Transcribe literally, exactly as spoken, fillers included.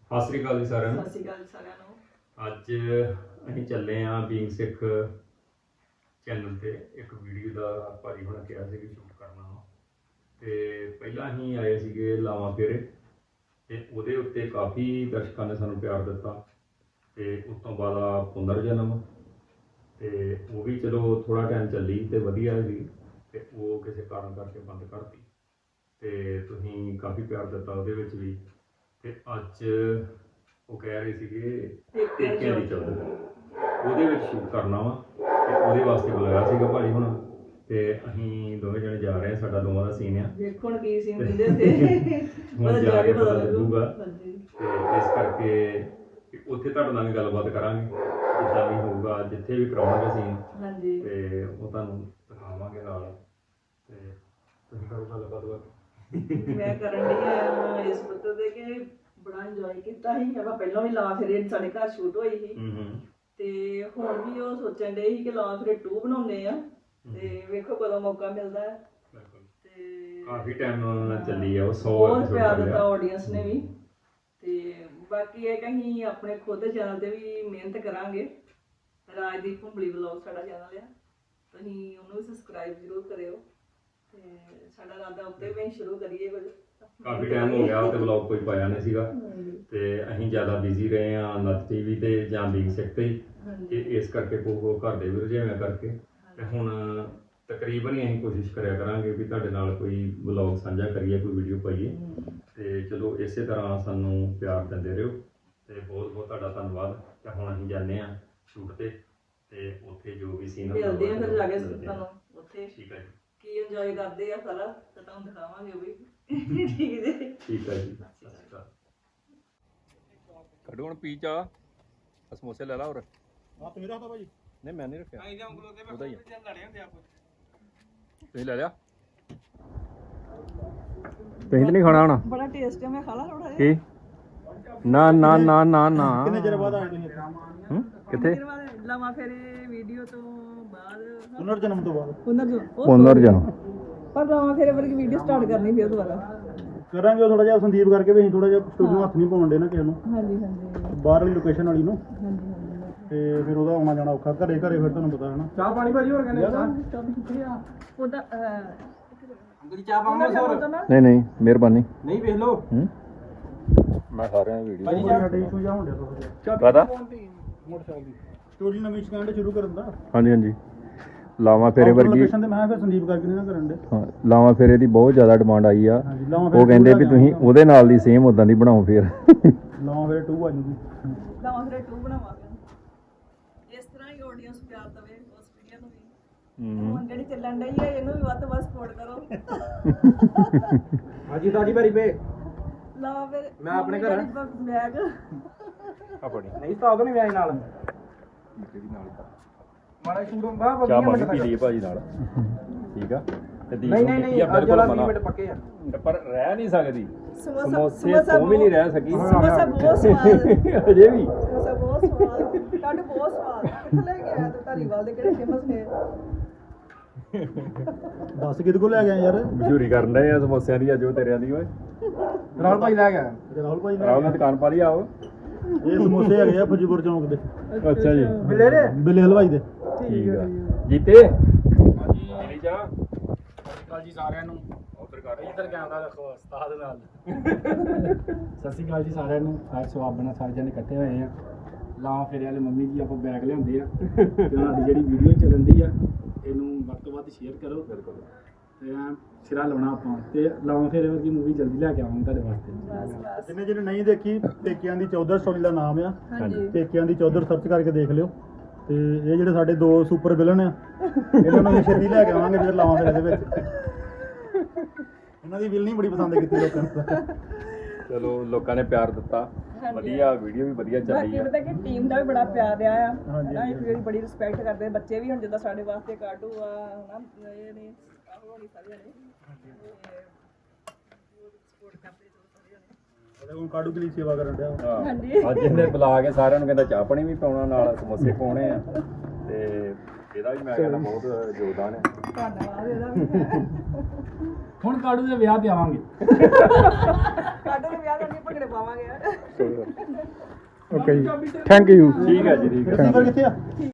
ਸਤਿ ਸ਼੍ਰੀ ਅਕਾਲ ਜੀ ਸਾਰਿਆਂ ਨੂੰ। ਸਤਿ ਸ਼੍ਰੀ ਅਕਾਲ ਜੀ ਸਾਰਿਆਂ ਨੂੰ। ਅੱਜ ਅਸੀਂ ਚੱਲੇ ਹਾਂ ਬੀਇੰਗ ਸਿੱਖ ਚੈਨਲ ਤੇ ਇੱਕ ਵੀਡੀਓ ਦਾ ਭਾਜੀ ਹੋਣਾ ਕਿਹਾ ਸੀ ਕਿ ਸ਼ੂਟ ਕਰਨਾ ਵਾ ਤੇ ਪਹਿਲਾਂ ਅਸੀਂ ਆਏ ਸੀਗੇ ਲਾਵਾਂ ਫੇਰੇ ਤੇ ਉਹਦੇ ਉੱਤੇ ਕਾਫੀ ਦਰਸ਼ਕਾਂ ਨੇ ਸਾਨੂੰ ਪਿਆਰ ਦਿੱਤਾ ਤੇ ਉਸ ਤੋਂ ਬਾਅਦ ਆ ਪੁਨਰ ਜਨਮ ਤੇ ਉਹ ਵੀ ਚਲੋ ਥੋੜਾ ਟਾਈਮ ਚੱਲੀ ਤੇ ਵਧੀਆ ਸੀ ਤੇ ਉਹ ਕਿਸੇ ਕਾਰਨ ਕਰਕੇ ਬੰਦ ਕਰਤੀ ਤੇ ਤੁਸੀਂ ਕਾਫੀ ਪਿਆਰ ਦਿੱਤਾ ਉਹਦੇ ਵਿੱਚ ਵੀ ਤੇ ਅੱਜ ਉਹ ਕਹਿ ਰਹੇ ਸੀਗੇ ਟੇਕਿਆਂ ਦੀ ਚੌਧਰ ਉਹਦੇ ਵਿੱਚ ਸ਼ੂਟ ਕਰਨਾ ਵਾ ਤੇ ਉਹਦੇ ਵਾਸਤੇ ਬੁਲਾਇਆ ਸੀਗਾ ਭਾਜੀ ਹੁਣ ਤੇ ਅਸੀਂ ਦੋਵੇਂ ਜਣੇ ਜਾ ਰਹੇ ਹਾਂ। ਸਾਡਾ ਦੋਵਾਂ ਦਾ ਸੀਨ ਆ, ਦੇਖੋ ਹੁਣ ਕੀ ਸੀਨ ਦਿੰਦੇ ਹੁੰਦੇ ਹੁਣ ਜਾ ਕੇ ਪਤਾ ਲੱਗੂਗਾ ਹਾਂਜੀ। ਤੇ ਇਸ ਕਰਕੇ ਕਿ ਉੱਥੇ ਤੁਹਾਡੇ ਨਾਲ ਵੀ ਗੱਲਬਾਤ ਕਰਾਂਗੇ ਜਿੱਦਾਂ ਵੀ ਹੋਊਗਾ, ਜਿੱਥੇ ਵੀ ਕਰਾਉਣਗੇ ਸੀਨ ਹਾਂਜੀ ਤੇ ਉਹ ਤੁਹਾਨੂੰ ਦਿਖਾਵਾਂਗੇ ਨਾਲ ਤੇ ਤੁਸੀਂ ਕਰੋ ਗੱਲਬਾਤ ਬਾਤ। ਮੈਂ ਕਰਨ ਲਈ ਆ ਇਸ ਪੁੱਤ ਦੇ ਕਿ ਬੜਾ ਇੰਜੋਏ ਕੀਤਾ ਸੀ। ਆਪਾਂ ਪਹਿਲਾਂ ਵੀ ਲਾ ਫੇਰੇ ਸਾਡੇ ਘਰ ਸ਼ੂਟ ਹੋਈ ਸੀ ਹੂੰ ਹੂੰ ਤੇ ਹੁਣ ਵੀ ਉਹ ਸੋਚਣ ਦੇ ਸੀ ਕਿ ਲਾ ਫੇਰੇ ਟੂ ਬਣਾਉਂਦੇ ਆ ਤੇ ਵੇਖੋ ਕਦੋਂ ਮੌਕਾ ਮਿਲਦਾ ਹੈ। ਤੇ ਕਾਫੀ ਟਾਈਮ ਚੱਲੀ ਆ ਉਹ ਸੌ ਬਹੁਤ ਪਿਆਰ ਦਿੱਤਾ ਆਡੀਅנס ਨੇ ਵੀ ਤੇ ਬਾਕੀ ਇਹ ਕਹੀਂ ਆਪਣੇ ਖੁਦ ਚੈਨਲ ਤੇ ਵੀ ਮਿਹਨਤ ਕਰਾਂਗੇ। ਰਾਜਦੀਪ ਭੁੰਬਲੀ ਵਲੌਗ ਸਾਡਾ ਚੈਨਲ ਆ, ਤੁਸੀਂ ਉਹਨੂੰ ਵੀ ਸਬਸਕ੍ਰਾਈਬ ਜ਼ਰੂਰ ਕਰਿਓ ਤੇ ਸਾਡਾ ਰਾਦਾ ਉੱਤੇ ਵੀ ਸ਼ੁਰੂ ਕਰੀਏ ਕੁਝ। ਕਾਫੀ ਟਾਈਮ ਹੋ ਗਿਆ ਉਹ ਤੇ ਵਲੌਗ ਕੋਈ ਪਾਇਆ ਨਹੀਂ ਸੀਗਾ ਤੇ ਅਸੀਂ ਜ਼ਿਆਦਾ ਬਿਜ਼ੀ ਰਹੇ ਹਾਂ ਨੱਥ ਟੀਵੀ ਤੇ ਜਾਂ ਬੀਇੰਗ ਸਿੱਖ ਤੇ ਤੇ ਇਸ ਕਰਕੇ ਕੋ ਘਰ ਦੇ ਵੀ ਰੁਝੇਵਿਆਂ ਕਰਕੇ ਤੇ ਹੁਣ ਤਕਰੀਬਨ ਹੀ ਅਸੀਂ ਕੋਸ਼ਿਸ਼ ਕਰਿਆ ਕਰਾਂਗੇ ਵੀ ਤੁਹਾਡੇ ਨਾਲ ਕੋਈ ਵਲੌਗ ਸਾਂਝਾ ਕਰੀਏ, ਕੋਈ ਵੀਡੀਓ ਪਾਈਏ ਤੇ ਚਲੋ ਇਸੇ ਤਰ੍ਹਾਂ ਸਾਨੂੰ ਪਿਆਰ ਦਿੰਦੇ ਰਹੋ ਤੇ ਬਹੁਤ ਬਹੁਤ ਤੁਹਾਡਾ ਧੰਨਵਾਦ। ਤੇ ਹੁਣ ਅਸੀਂ ਜਾਂਦੇ ਹਾਂ ਸ਼ੂਟ ਤੇ ਤੇ ਉੱਥੇ ਜੋ ਵੀ ਸੀਨ ਮਿਲਦੇ ਆ ਫਿਰ ਜਾ ਕੇ ਤੁਹਾਨੂੰ ਉੱਥੇ ਠੀਕ ਹੈ ਜੀ, ਕੀ ਇੰਜੋਏ ਕਰਦੇ ਆ ਸਾਰਾ ਤੇ ਤੁਹਾਨੂੰ ਦਿਖਾਵਾਂਗੇ ਉਹ ਵੀ। ਠੀਕ ਜੀ ਠੀਕ ਹੈ ਜੀ, ਸਤਿ ਸ਼੍ਰੀ ਅਕਾਲ। ਕੱਢੋ ਹੁਣ ਪੀ ਚਾ ਸਮੋਸੇ ਲੈ ਲਾ ਹੋਰ। ਆ ਤੁਸੀਂ ਰੱਖਦਾ ਭਾਜੀ? ਨਹੀਂ ਮੈਂ ਨਹੀਂ ਰੱਖਿਆ, ਉਹਦਾ ਹੀ ਆ। ਤੁਸੀਂ ਲੈ ਲਿਆ? ਤੁਸੀਂ ਤਾਂ ਨਹੀਂ ਖਾਣਾ ਹੁਣ? ਬੜਾ ਟੇਸਟ ਹੈ, ਮੈਂ ਖਾ ਲਾ ਥੋੜਾ ਕੀ? ਨਾ ਨਾ ਨਾ ਨਾ ਨਾ ਕਿੰਨੇ ਚਿਰ ਬਾਅਦ ਆਏ ਤੁਸੀਂ? ਹੂੰ ਕਿੱਥੇ? ਲਵਾਂ ਫੇਰੇ ਵੀਡੀਓ ਤੋਂ ਬਾਅਦ ਪੁਨਰ ਜਨਮ ਤੋਂ ਬਾਅਦ ਪੁਨਰ ਪੁਨਰ ਜਨਮ ਪਰ ਲਵਾਂ ਫੇਰੇ ਵਰਗੀ ਵੀਡੀਓ ਸਟਾਰਟ ਕਰਨੀ ਫਿਰ ਦੁਬਾਰਾ ਕਰਾਂਗੇ। ਉਹ ਥੋੜਾ ਜਿਹਾ ਸੰਦੀਪ ਕਰਕੇ ਵੀ ਅਸੀਂ ਥੋੜਾ ਜਿਹਾ ਸਟੂਡੀਓ ਹੱਥ ਨਹੀਂ ਪਾਉਣ ਦੇ ਨਾ ਕਿਸੇ ਨੂੰ, ਹਾਂਜੀ ਹਾਂਜੀ ਬਾਹਰ ਵਾਲੀ ਲੋਕੇਸ਼ਨ ਵਾਲੀ ਨੂੰ, ਹਾਂਜੀ ਹਾਂਜੀ ਤੇ ਫਿਰ ਉਹਦਾ ਆਉਣਾ ਜਾਣਾ ਔਖਾ। ਘਰੇ ਘਰੇ ਫਿਰ ਤੁਹਾਨੂੰ ਪਤਾ ਹੈ ਨਾ। ਚਾਹ ਪਾਣੀ ਭਾਜੀ ਹੋਰ ਕਹਿੰਦੇ ਉਹਦਾ ਅੰਕਲ ਚਾਹ ਪਾਉਂਗਾ ਨਹੀਂ ਨਹੀਂ ਮਿਹਰਬਾਨੀ। ਨਹੀਂ ਵੇਖ ਲਓ ਹੂੰ ਮੈਂ ਸਾਰਿਆਂ ਦੀ ਵੀਡੀਓ ਭਾਜੀ ਸਾਡੇ ਇਸ਼ੂ ਜਾ ਹੁੰਦੇ ਥੋੜਾ ਜਿਹਾ ਪਤਾ। ਮੋਟਰਸਾਈਕਲ ਦੀ ਸਟੋਰੀ ਨਵੀਂ ਸਟੈਂਡ ਸ਼ੁਰੂ ਕਰਨ ਦਾ ਹਾਂਜੀ ਹਾਂਜੀ ਲਾਵਾਂ ਫੇਰੇ ਵਰਗੀ। ਲੋਕੇਸ਼ਨ ਤੇ ਮੈਂ ਫਿਰ ਸੰਦੀਪ ਕਰਕੇ ਨਹੀਂ ਨਾ ਕਰਨ ਦੇ। ਹਾਂ, ਲਾਵਾਂ ਫੇਰੇ ਦੀ ਬਹੁਤ ਜ਼ਿਆਦਾ ਡਿਮਾਂਡ ਆਈ ਆ। ਹਾਂਜੀ ਲਾਵਾਂ ਉਹ ਕਹਿੰਦੇ ਵੀ ਤੁਸੀਂ ਉਹਦੇ ਨਾਲ ਦੀ ਸੇਮ ਉਦਾਂ ਦੀ ਬਣਾਓ ਫੇਰ। ਲਾਵਾਂ ਫਿਰ ਟੂ ਆ ਜੂਗੀ। ਲਵਾਂ ਫੇਰੇ ਟੂ ਬਣਾਵਾਂਗੇ। ਇਸ ਤਰ੍ਹਾਂ ਹੀ ਆਡੀਅנס ਪਿਆਰ ਦਵੇ ਉਸ ਵੀਡੀਓ ਨੂੰ ਵੀ। ਹੁਣ ਜਿਹੜੀ ਚੱਲਣ ਡਈ ਹੈ ਇਹਨੂੰ ਵੀ ਵੱਧ ਤੋਂ ਵੱਧ ਸਪੋਰਟ ਕਰੋ। ਹਾਂਜੀ ਤੁਹਾਡੀ ਵਾਰੀ ਪੇ ਲਵਾਂ ਫਿਰ ਮੈਂ ਆਪਣੇ ਘਰ ਬੈਗ ਆਪਣੀ ਨਹੀਂ ਸਟਾਕ ਨਹੀਂ ਮੈਂ ਨਾਲ ਜਿਹੜੀ ਨਾਲ ਮਾੜਾ ਸ਼ੂਟ ਬਾ ਚਾਹ ਪਾਣੀ ਪੀ ਲਈਏ ਭਾਜੀ ਨਾਲ, ਠੀਕ ਆ। ਤੇ ਦੀਪ ਨਹੀਂ ਨੂੰ ਨਹੀਂ ਕੀਤੀ ਆ ਨਹੀਂ ਅੱਜ ਬਿਲਕੁਲ ਵਾਲਾ ਵੀਹ ਮਨਾ, ਮਿੰਟ ਪੱਕੇ ਆ। ਪਰ ਰਹਿ ਨਹੀਂ ਸਕਦੀ ਸਮੋਸਾ ਸਮੋਸੇ ਤੋਂ ਵੀ ਨਹੀਂ ਰਹਿ ਸਕੀ ਸਮੋਸਾ ਬਹੁਤ ਸਵਾਦ, ਅਜੇ ਵੀ। ਸਮੋਸਾ ਬਹੁਤ ਸਵਾਦ, ਕੱਢ ਬਹੁਤ ਸਵਾਦ। ਕਿੱਥੇ ਲੈ ਕੇ ਆਇਆ ਤੂੰ? ਧਾਰੀਵਾਲ ਦੇ ਕਿਹੜੇ ਫੇਮਸ ਨੇ? ਦੱਸ ਕਿਹਦੇ ਕੋਲ ਲੈ ਗਿਆ ਯਾਰ? ਮਸ਼ਹੂਰੀ ਕਰਨ ਡਏ ਆ ਸਮੋਸਿਆਂ ਦੀ ਅੱਜ ਉਹ ਤੇਰਿਆਂ ਦੀ ਓਏ। ਰਾਹੁਲ ਭਾਈ ਲੈ ਗਿਆ। ਰਾਹੁਲ ਭਾਈ ਰਾਹੁਲ ਨੇ ਦੁਕਾਨ ਪਾ ਲਈ ਆਓ। ਇਹ ਸਮੋਸੇ ਹੈਗੇ ਆ ਫੁਜੀਪੁਰ ਚੌਂਕ ਦੇ, ਅੱਛਾ ਜੀ ਬਿੱਲੇ ਦੇ ਬਿੱਲੇ ਹਲਵਾਈ ਦੇ। ਠੀਕ ਆ। ਜੀਤੇ ਹਾਂਜੀ ਮੇਰੀ ਚਾਹ ਕਾਲ ਜੀ ਸਾਰਿਆਂ ਨੂੰ। ਉਧਰ ਕਰ ਇੱਧਰ ਕੈਮਰਾ ਰੱਖੋ ਉਸਤਾਦ ਨਾਲ। ਸਤਿ ਸ਼੍ਰੀ ਅਕਾਲ ਜੀ ਸਾਰਿਆਂ ਨੂੰ। ਅੱਜ ਸਵਾਬ ਨਾਲ ਸਾਰੇ ਜਣੇ ਇਕੱਠੇ ਹੋਏ ਆ। ਲਾਵਾਂ ਫੇਰੇ ਵਾਲੇ ਮੰਮੀ ਜੀ ਆਪਾਂ ਬੈਗ ਲਿਆਉਂਦੇ ਆ ਤੇ ਉਹਨਾਂ ਦੀ ਜਿਹੜੀ ਵੀਡੀਓ ਚੱਲਣ ਦੀ ਆ ਇਹਨੂੰ ਵੱਧ ਤੋਂ ਵੱਧ ਸ਼ੇਅਰ ਕਰੋ। ਬਿਲਕੁਲ ਤੇ ਐਂ ਸਿਰਾ ਲਾਉਣਾ ਆਪਾਂ ਤੇ ਲਾਵਾਂ ਫੇਰੇ ਵਰਗੀ ਮੂਵੀ ਜਲਦੀ ਲੈ ਕੇ ਆਵਾਂਗੇ ਤੁਹਾਡੇ ਵਾਸਤੇ। ਜਿਹਨੇ ਜਿਹਨੇ ਨਹੀਂ ਦੇਖੀ, ਪੇਕਿਆਂ ਦੀ ਚੌਧਰ ਸਟੋਰੀ ਦਾ ਨਾਮ ਆ। ਹਾਂਜੀ ਪੇਕਿਆਂ ਦੀ ਚੌਧਰ ਸਰਚ ਕਰਕੇ ਦੇਖ ਲਿਓ। ਤੇ ਇਹ ਜਿਹੜੇ ਸਾਡੇ ਦੋ ਸੁਪਰ ਵਿਲਨ ਆ ਇਹਨਾਂ ਨੂੰ ਅਸੀਂ ਛੇਤੀ ਲੈ ਕੇ ਆਵਾਂਗੇ ਜਿਹੜੇ ਲਾਵਾਂ ਫੇਰੇ ਦੇ ਵਿੱਚ। ਇਹਨਾਂ ਦੀ ਵਿਲਨੀ ਬੜੀ ਪਸੰਦ ਕੀਤੀ ਲੋਕਾਂ ਨੂੰ। ਚਲੋ ਲੋਕਾਂ ਨੇ ਪਿਆਰ ਦਿੱਤਾ, ਵਧੀਆ ਵੀਡੀਓ ਵੀ ਵਧੀਆ ਚੱਲੀ ਬਾਕੀ ਆ। ਪਤਾ ਕਿ ਟੀਮ ਦਾ ਵੀ ਬੜਾ ਪਿਆਰ ਰਿਹਾ ਆ ਹਾਂਜੀ, ਨਾ, ਇਹ ਜਿਹੜੀ ਬੜੀ ਰਿਸਪੈਕਟ ਕਰਦੇ ਬੱਚੇ ਵੀ। ਹੁਣ ਜਿੱਦਾਂ ਸਾਡੇ ਵਾਸਤੇ ਕਾਟੂ ਆ ਹਨਾ, ਇਹ ਨੇ ਆਹੋ ਨਹੀਂ ਸਾਰੇ ਨੇ ਸਪੋਰਟ ਕਰਦੇ ਚਲੋ ਸਾਰੇ ਨੇ। ਉਹਦੇ ਕੋਲ ਕਾਡੂ ਦੀ ਸੇਵਾ ਕਰਨ ਡਿਆ। ਹਾਂ। ਹਾਂਜੀ। ਅੱਜ ਇਹਨੇ ਬੁਲਾ ਕੇ ਸਾਰਿਆਂ ਨੂੰ ਕਹਿੰਦਾ ਚਾਹ ਪਾਣੀ ਵੀ ਪਾਉਣਾ, ਨਾਲ ਸਮੋਸੇ ਪਾਉਣੇ ਆ ਤੇ ਇਹਦਾ ਵੀ ਮੈਂ ਕਹਿੰਦਾ ਬਹੁਤ ਯੋਗਦਾਨ ਹੈ। ਧੰਨਵਾਦ ਇਹਦਾ ਵੀ। ਹੁਣ ਕਾਡੂ ਦੇ ਵਿਆਹ ਤੇ ਆਵਾਂਗੇ। ਕਾਟੂ ਦੇ ਵਿਆਹ ਕਰਕੇ ਭੰਗੜੇ ਪਾਵਾਂਗੇ ਓਕੇ ਜੀ ਥੈਂਕ ਯੂ ਠੀਕ ਹੈ ਜੀ ਠੀਕ ਹੈ ਕਿੱਥੇ ਆ